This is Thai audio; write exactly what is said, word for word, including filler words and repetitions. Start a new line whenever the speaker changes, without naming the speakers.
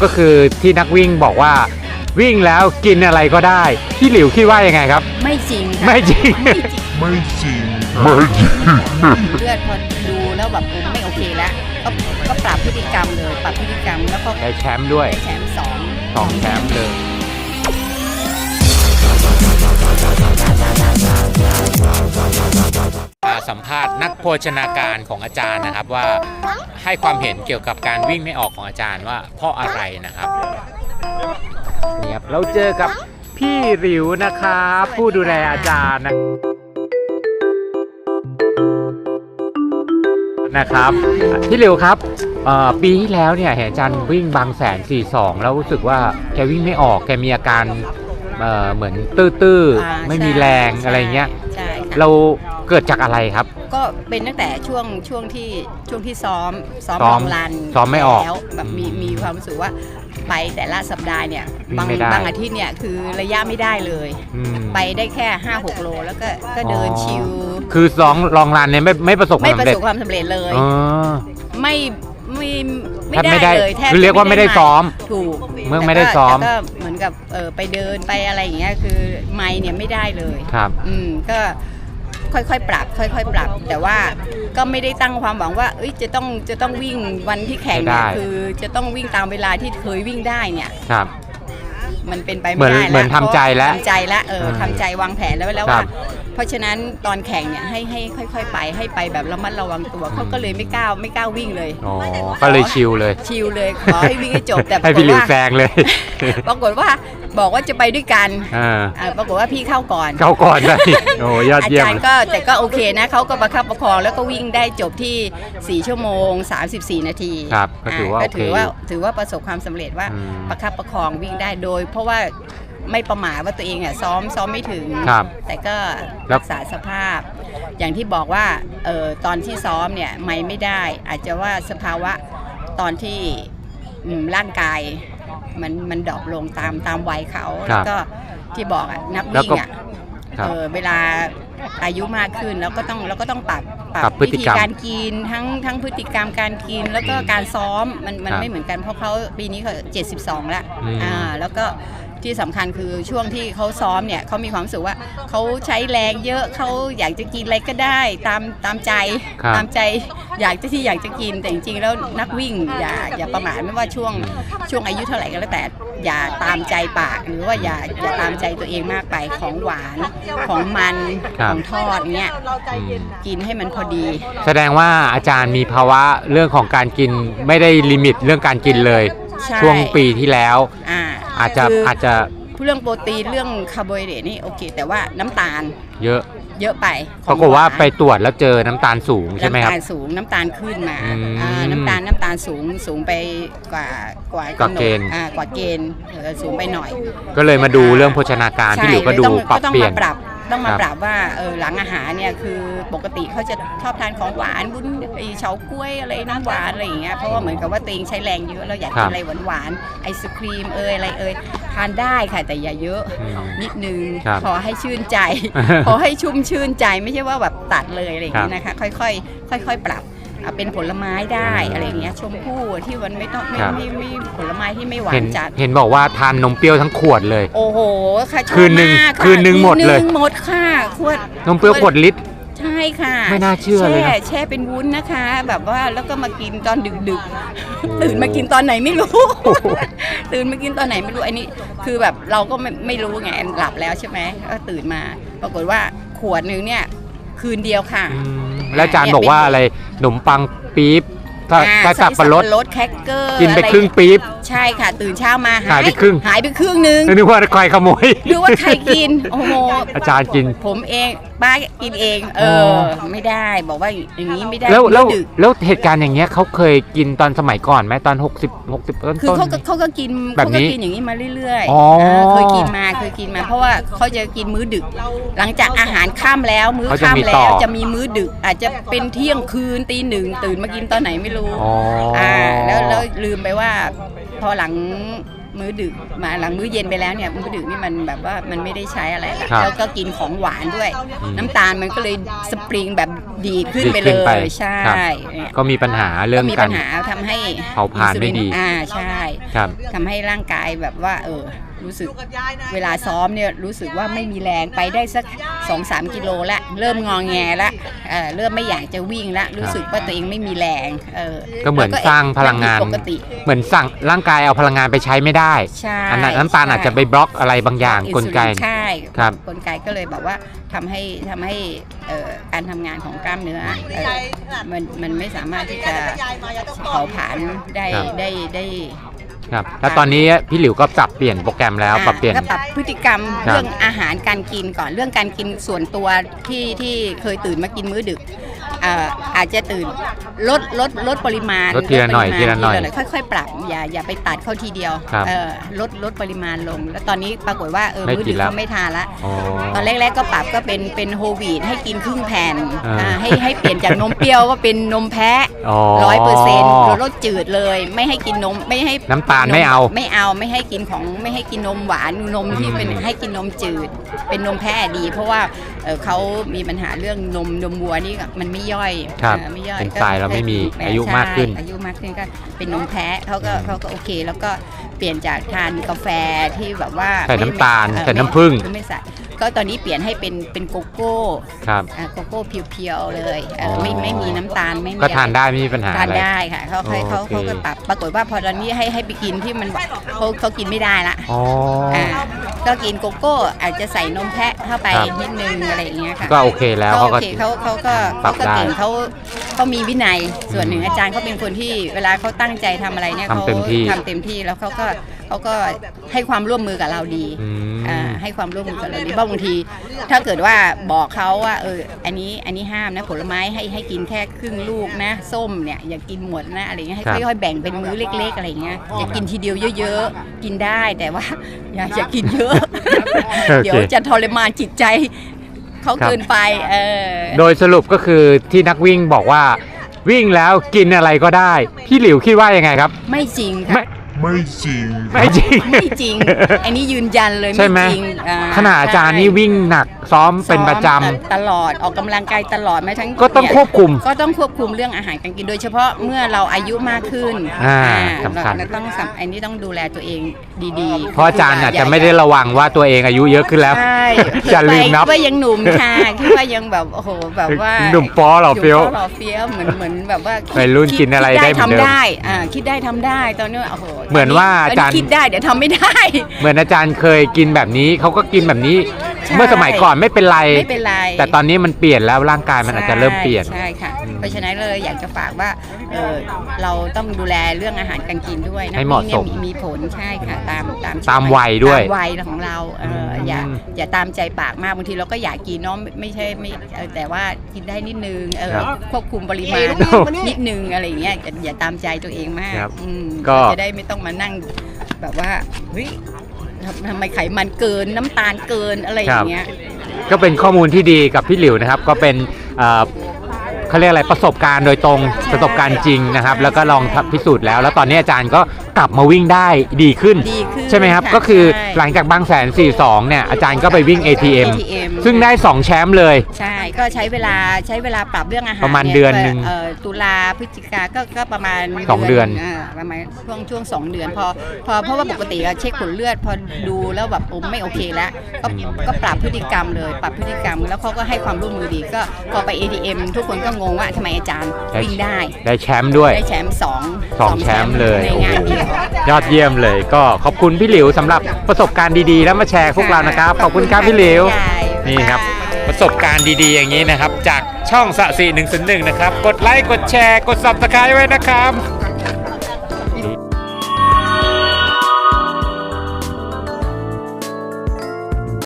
ก็คือที่นักวิ่งบอกว่าวิ่งแล้วกินอะไรก็ได้พี่หลิวคิดว่ายังไงครับ
ไม่จริงค่ะ
ไม่จริง
ไม่จริง
ไม่จริงไม่จริง
เลือดพอดูแล้วแบบผมไม่โอเคแล้วก็ก็ปรับพฤติกรรมเลยปรับพฤติกรรมแล้วก็
ได้แชมป์ด้วย
ได้แชมป์สอง
สองแชมป์เลยสัมภาษณ์นักโภชนาการของอาจารย์นะครับว่าให้ความเห็นเกี่ยวกับการวิ่งไม่ออกของอาจารย์ว่าเพราะอะไรนะครับนี่ครับเราเจอกับพี่หลิวนะครับผู้ดูแลอาจารย์นะนะครับพี่หลิวครับปีที่แล้วเนี่ยเห็นอาจารย์วิ่งบางแสนสี่สองแล้วรู้สึกว่าแกวิ่งไม่ออกแกมีอาการเอ่อเหมือนตื้อๆไม่มีแรงอะไรเงี้ยเราเกิดจากอะไรครับ
ก็เป็นตั้งแต่ช่วงช่วงที่ช่วงที่ซ้อมซ้อมลองรัน
ซ้อมไม่ออก
แล้วแบบมีมีความรู้สึกว่าไปแต่ละสัปดาห์เนี่ยบางบางอาทิตย์เนี่ยคือระยะไม่ได้เลยไปได้แค่ ห้าหก โลแล้วก็ก็เดินชิล
คือซ้อมลองรันเนี่ยไม่ไม่ประสบความสำเร็จ
ไม่ประสบความสำเร็จเลยไม่ไม่ไม่ได้เลยแทบ
คือเรียกว่าไม่ได้ซ้อม
ถูก
เมื่อไม่ได้ซ้อม
ก็เหมือนกับเออไปเดินไปอะไรอย่างเงี้ยคือไม่เนี่ยไม่ได้เลย
ครับ
อืมก็ค่อยๆปรับค่อยๆปรับแต่ว่าก็ไม่ได้ตั้งความหวังว่าเอ้ยจะต้องจะต้องวิ่งวันที่แข่งเนี่ยคือจะต้องวิ่งตามเวลาที่เคยวิ่งได้เนี่ย
ครับ
มันเป็นไปไม่ได้แล้ว
เหมือนทำใจแล้ว
ทำใจแล้วเออทำใจวางแผนแล้วแล้วว่าเพราะฉะนั้นตอนแข่งเนี่ยให้ให้ค่อยๆไปให้ไปแบบระมัดระวังตัวเขาก็เลยไม่กล้าไม่กล้าวิ่งเลย
อ๋อก็เลยชิลเลย
ชิลเลยขอให้วิ่งให้จบแต่
ให้พี่หลิวแซงเลย
ปรากฏว่าบอกว่าจะไปด้วยกันปรากฏว่าพี่เข้าก่อน
เข้าก่อนเลยโอ้ยอดเยี่ยม
อาจารย์ก็แต่ก็โอเคนะเขาก็ประคับประคองแล้วก็วิ่งได้จบที่สี่ชั่วโมงสามสิบสี่นาที
ครับก็ถือว่า
ถือว่าถือว่าประสบความสำเร็จว่าประคับประคองวิ่งได้โดยเพราะว่าไม่ประมาทว่าตัวเองอ่ะซ้อมซ้อมไม่ถึงแต่ก็รักษาสภาพอย่างที่บอกว่าเออตอนที่ซ้อมเนี่ยไม่ไม่ได้อาจจะว่าสภาวะตอนที่ร่างกายมันมันดรอปลงตามตามวัยเขาแล้วก็ที่บอกอ่ะนักวิ่งอ่ะเออเวลาอายุมากขึ้นแล้วก็ต้องแล้วก็ต้องปรับ
ปรับวิธี
การกินทั้งทั้งพฤติกรรมการกินแล้วก็การซ้อมมันมันไม่เหมือนกันเพราะเขาปีนี้เขาเจ็ดสิบสองแล้วอ่าแล้วก็ที่สำคัญคือช่วงที่เขาซ้อมเนี่ยเขามีความรู้สึกว่าเขาใช้แรงเยอะเขาอยากจะกินอะไรก็ได้ตามตามใจตามใจอยากจะที่อยากจะกินแต่จริงๆแล้วนักวิ่งอย่าอย่าประมาทไม่ว่าช่วงช่วงอายุเท่าไหร่ก็แล้วแต่อย่าตามใจปากหรือว่าอย่าอย่าตามใจตัวเองมากไปของหวานของมันของทอดเนี้ยกินให้มันพอดี
แสดงว่าอาจารย์มีภาวะเรื่องของการกินไม่ได้ลิมิตเรื่องการกินเลยช่วงปีที่แล้วอาจจะอาจจะ
เรื่องโปรตีนเรื่องคาร์โบไฮเดรตนี่โอเคแต่ว่าน้ำตาล
เยอะ
เยอะไป
ปรากฏว่าไปตรวจแล้วเจอน้ำตาลสูงใช่ไหมครับ
น้ำตาลสูงน้ำตาลขึ้นมาน้ำตาลน้ำตาลสูงสูงไปกว่ากว่าก
ว่าเกณฑ์
กว่าเกณฑ์สูงไปหน่อยก็
เลยมาดูเรื่องโภชนาการที่หลิวก็ดูปรับเปลี่ยน
ต้องมาปรับว่าเออหลังอาหารเนี่ยคือปกติเขาจะชอบทานของหวานบุ้นไอเฉาก๊วยอะไรน้ำหวานอะไรอย่างเงี้ยเพราะว่าเหมือนกับว่าตัวเองใช้แรงเยอะเราอยากกินอะไรหวานๆไอศครีมเอยอะไรเอยทานได้ค่ะแต่อย่าเยอะนิดนึงพอให้ชื่นใจพอให้ชุ่มชื่นใจไม่ใช่ว่าแบบตัดเลยอะไรอย่างเงี้ยนะคะค่อยๆค่อยๆปรับเป็นผลไม้ได้อะไรเงี้ยชมพู่ที่มันไม่ต้องไม่ไม่ไม่ผลไม้ที่ไม่หวานจัด
เห็นบอกว่าทานนมเปรี้ยวทั้งขวดเลย
โอ้โหค่ะ
คืนหนึ่งคืนหนึ่งหมดเลย
หมดค่ะขวด
นมเปรี้ยวขวดลิตร
ใช่ค่ะ
ไม่น่าเชื่อเลยนะ
แช่เป็นวุ้นนะคะแบบว่าแล้วก็มากินตอนดึกๆตื่นมากินตอนไหนไม่รู้ตื่นมากินตอนไหนไม่รู้อันนี้คือแบบเราก็ไม่ไม่รู้ไงหลับแล้วใช่ไหมก็ตื่นมาปรากฏว่าขวดนึงเนี่ยคืนเดียวค่ะ
แล้วอาจารย์บอกว่าอะไรขนมปังปี๊บถ้าถ้าสับปะรด
รสแคคเกอร์
กินไปครึ่งปี๊บ
ใช่ค่ะตื่นเช้ามา
หายไปครึ่ง
หายไปครึ่งนึง
นึกว่าใครขโมย
นึกว่าใครกินโอ้โห
อาจารย์กิน
ผมเองป้ากินเองเออไม่ได้บอกว่าอย่างนี้ไม่ได้
แล้วแล้วแล้วเหตุการณ์อย่างเงี้ยเขาเคยกินตอนสมัยก่อนไหมตอนหกสิบ หกสิบต้น
คือเขาเขาก็กินเขาก็กินอย่างนี้มาเรื่อยๆเคยกินมาเคยกินมาเพราะว่าเขาจะกินมื้อดึกหลังจากอาหารค่ำแล้วมื้อค่ำแล้วจะมีมื้อดึกอาจจะเป็นเที่ยงคืนตีหนึ่งตื่นมากินตอนไหนไม่รู้อ่าแล้วแล้วลืมไปว่าพอหลังมื้อดึกมาหลังมื้อเย็นไปแล้วเนี่ยมื้อดึกนี่มันแบบว่ามันไม่ได้ใช้อะไรแล้วแล้วก็กินของหวานด้วยน้ำตาลมันก็เลยสปริงแบบดีดขึ้นไป
ดี
เล
ดขึ้นไป
ยใช่
ครับ
เนี่ย
ก็มีปัญหาเรื่อง
ก็มี
กา
ปั
ร
ญหาทำให้
เผาผลาญไม่ดี
อ่าใช่
ครับ
ทำให้ร่างกายแบบว่าเออรู้สึกเวลาซ้อมเนี่ยรู้สึกว่าไม่มีแรงไปได้สัก สองสาม กิโลละเริ่มงอแงละเออเริ่มไม่อยากจะวิ่งละรู้สึกว่าตัวเองไม่มีแรงเออ
ก็เหมือนสร้างพลังงาน
ปกติ
เหมือนสั่งร่างกายเอาพลังงานไปใช้ไม่ได้
ใช่
อันนั้นน้ำตาลอาจจะไปบล็อกอะไรบางอย่างกลไก
ใช่
ครับ
กลไกก็เลยแบบว่าทำให้ทำให้เอ่อการทำงานของกล้ามเนื้อเอ่อมันมันไม่สามารถที่จะเผาผลาญได้ได้ได้
ครับแล้วตอนนี้พี่หลิวก็ปรับเปลี่ยนโปรแกรมแล้วปรับเปลี่ยน
ก็ปรับพฤติกรรม
ครับ
เรื่องอาหารการกินก่อนเรื่องการกินส่วนตัวที่ที่เคยตื่นมากินมื้อดึกเอ่ออาจจะตื่นลดลดลดปริมาณ
ลดทีละหน่อย
ดปริมาณ
ทีละหน่อย
ค่อยๆ ปรับอย่าอย่าไปตัดเข้าทีเดียว
ครับ
เออลดลดปริมาณลง แล้วตอนนี้ปรากฏว่าเออ
ไม่
มื้อ
กิ
ดึ
น
ก
แล้ว
เขาไม่ทานละ
อ๋อ
ตอนแรกๆก็ปรับก็เป็นเป็นโฮลวีตให้กินครึ่งแผ่น
อ่า
อ่าให้ให้เปลี่ยนจากนมเปรี้ยวก็เป็นนมแพะ
อ๋อ
ร้อยเปอร์เซ็นต์ลดจืดเลย ไม่ให้กินนมไม่ให้
น้ำตาลไม่เอา
ไม่เอาไม่ให้กินของไม่ให้กินนมหวานนมที่เป็น
อืม
ให้กินนมจืด เป็นนมแพะดี เพราะว่าเอ่อเขามีปัญหาเรื่องนมนมวัวนี่ก็มันไม่ย่อย
ครับ
เอ่อไม่ย่อย
เป็น
ก็
ทรายเราไม่มี
ใช่
อายุมากขึ้น
อายุมากขึ้นก็เป็นนมแพะเขาก็
อืม
เขาก็โอเค แล้วก็เปลี่ยนจากทานกาแฟที่แบบว่า
ใส่น้ำตาล
ไม่
ใส่
ไม่
น้ำผึ้ง
คือไม่ใส่ก็ตอนนี้เปลี่ยนให้เป็นเป็นโกโก้
ครับ
อ่าโกโก้เพียวๆเลยเอ่อ
อ๋อ
ไม่ไม่มีน้ำตาลไม่มี
ก็ทาน
อะไร
ได้ไม่มีปัญหา
ทาน
อะไร
ได้ค่ะเขาเขาเขา
โอเค
เขาก็ปรับปรากฏว่าพอตอนนี้ให้ให้ไปกินที่มันเขาเขากินไม่ได้ละ
อ๋อ
อ่าก็กินโกโก้อาจจะใส่นมแพะเข้าไป
ครับ
นิดนึงอะไรอย่างเงี้ยค่ะ
ก็โอเคแล้ว
เขา
เขา
โอ
ก็
เคเขาเขาก็
ปรั
เขา
บ
ก็
ได้
เก่งเขาเขามีวินัยส่วนหนึ่ง
อืม
อาจารย์เขาเป็นคนที่เวลาเขาตั้งใจทำอะไรเนี่ย
ทำ
เขา
เต็มที่
ทำเต็มที่แล้วเขาก็เขาก็ให้ความร่วมมือกับเราดี
อืม
อ่าให้ความร่วมมือกับเราดีเพราะบางที ถ้าเกิดว่าบอกเขาว่าเอออันนี้อันนี้ห้ามนะผลไม้ให้ให้กินแค่ครึ่งลูกนะส้มเนี่ยอย่ากินหมดนะอะไรเงี้ยให้
ครับ
ค่อยๆแบ่งเป็นมื้อเล็ก ๆอะไรเงี้ยอย่ากินทีเดียวเยอะๆกินได้แต่ว่า อย่าอย่ากินเยอะ
โอเค
เดี๋ยวจะทรมานจิตใจเขา
ครับ
เกินไปเออ
โดยสรุปก็คือที่นักวิ่งบอกว่าวิ่งแล้วกินอะไรก็ได้ พี่หลิวคิดว่ายังไงครับ
ไม่จริง
ไม่
ค่ะ
ไม่จริง
ไม่จริง
ไม่จริง อันนี้ยืนยันเลย
ใช่ไหม
ไม่จริงอ่
ขณะอาจารย์นี่วิ่งหนักซ้อมเป็นประจ
ซ้อมตลอดออกกำลังกายตลอดแม้ทั้ง
ก็ต้อง
เนี่ย
ควบคุม
ก็ต้องควบคุมเรื่องอาหารการกินโดยเฉพาะเมื่อเราอายุมากขึ้น
อ่า
อ่า
สำคัญ
เราต้องสำอันนี้ต้องดูแลตัวเองดีๆ
ำเพราะอาจารย์อาจจะไม่ได้ระวังว่าตัวเองอายุเยอะขึ้นแล้ว
ใช่
จะลืมนับ
คิดว่ายังหนุ่มค่ะคิดว่ายังแบบโอ้โหแบบว่า
หนุ่มฟ้อหล่อเฟี้ยว
หนุ่มฟ้อหล่อเฟี้ยวเหมือนเหมือนแบบว่าคิด
วัยรุ่นกินอะไร
คิ
ได้เหมือนเดิม
ทำได้อ่าคิดได้ทำได้ตอนนี้โอ้โห
เหมือนว่าอาจารย์
ตนนี้คิดได้เดี๋ยวทำไม่ได้
เหมือนอาจารย์เคยกินแบบนี้เขาก็กินแบบนี้
ใช่
เมื่อสมัยก่อนไม่เป็นไร
ไม่เป็นไร
แต่ตอนนี้มันเปลี่ยนแล้วร่างกายมันอาจจะเริ่มเปลี่ยน
ใช่ค่ะ
อืม
เพราะฉะนั้นเลยอยากจะฝากว่าเออเราต้องดูแลเรื่องอาหารการกินด้วยนะ
ให้เหมาะสม
นี่ยมีผลใช่ค่ะตามตาม
ตามวัยด้วย
ตามวัยของเราเอออ
ม
อย่าอย่าตามใจปากมากบางทีเราก็อยากกินเนาะไม่ไม่ใช่ไม่เออแต่ว่ากินได้นิดนึงเออ
ครับ
ควบคุมปริมาณ
ครับ
นิดนึงอะไรอย่างเงี้ยอย่าอย่าตามใจตัวเองมาก
ครับ
อืม
ก็
จะได้ไม่ต้องมานั่งแบบว่าเฮ้ยทำทำไมไขมันเกินน้ำตาลเกินอะไรอย่างเงี้ย
ก็เป็นข้อมูลที่ดีกับพี่หลิวนะครับ ก็เป็นเอ่อเขาเรียกอะไรประสบการณ์โดยตรง
ใช่
ประสบการณ์จริงนะครับ
ใช่
แล้วก็ลองพิสูจน์แล้ว แล้วตอนนี้อาจารย์ก็กลับมาวิ่งได้ดีขึ้น
ดีขึ้น
ใช่ไหมครับ
ค่ะ
ก็คือ
ใช่
หลังจากบางแสนสี่สิบสองเนี่ยอาจารย์ก็ไปวิ่ง เอ ที เอ็ม
เอ ที เอ็ม
ซึ่งได้สองแชมป์เลย
ใช่ ก็ใช้เวลาใช้เวลาปรับเรื่องอาหาร
ประมาณ
ย
เดือนหนึ่ง
เอ่อตุลาพฤศจิกาก็ก็ประมาณ
สองเดือน
าประมาณช่วงช่วงสองเดือนพอพอเพราะว่าปกติอะเช็คผลเลือดพอดูแล้วแบบโอ้ไม่โอเคแล้วก็ก็ปรับพฤติกรรมเลย ปรับพฤติกรรมแล้วเขาก็ให้ความร่วมมือดีก็พอไป เอ ที เอ็ม ทุกคนก็งงว่าทำไมอาจารย์วิ่งได้
ได้แชมป์ด้วย
ได้แชมป์สอง
สองแชมป์เลย
ในงานเดียว
ยอดเยี่ยมเลยก็ขอบคุณพี่หลิวสำหรับประสบการณ์ดีๆ แล้วมาแชร์พวกเรานะครับ ขอบคุณครับพี่หลิว นี่ครับ ประสบการณ์ดีๆอย่างนี้นะครับ จากช่องสะสีหนึ่งศูนย์หนึ่งนะครับ กดไลค์กดแชร์กด ซับสไครบ์ ไว้นะครับ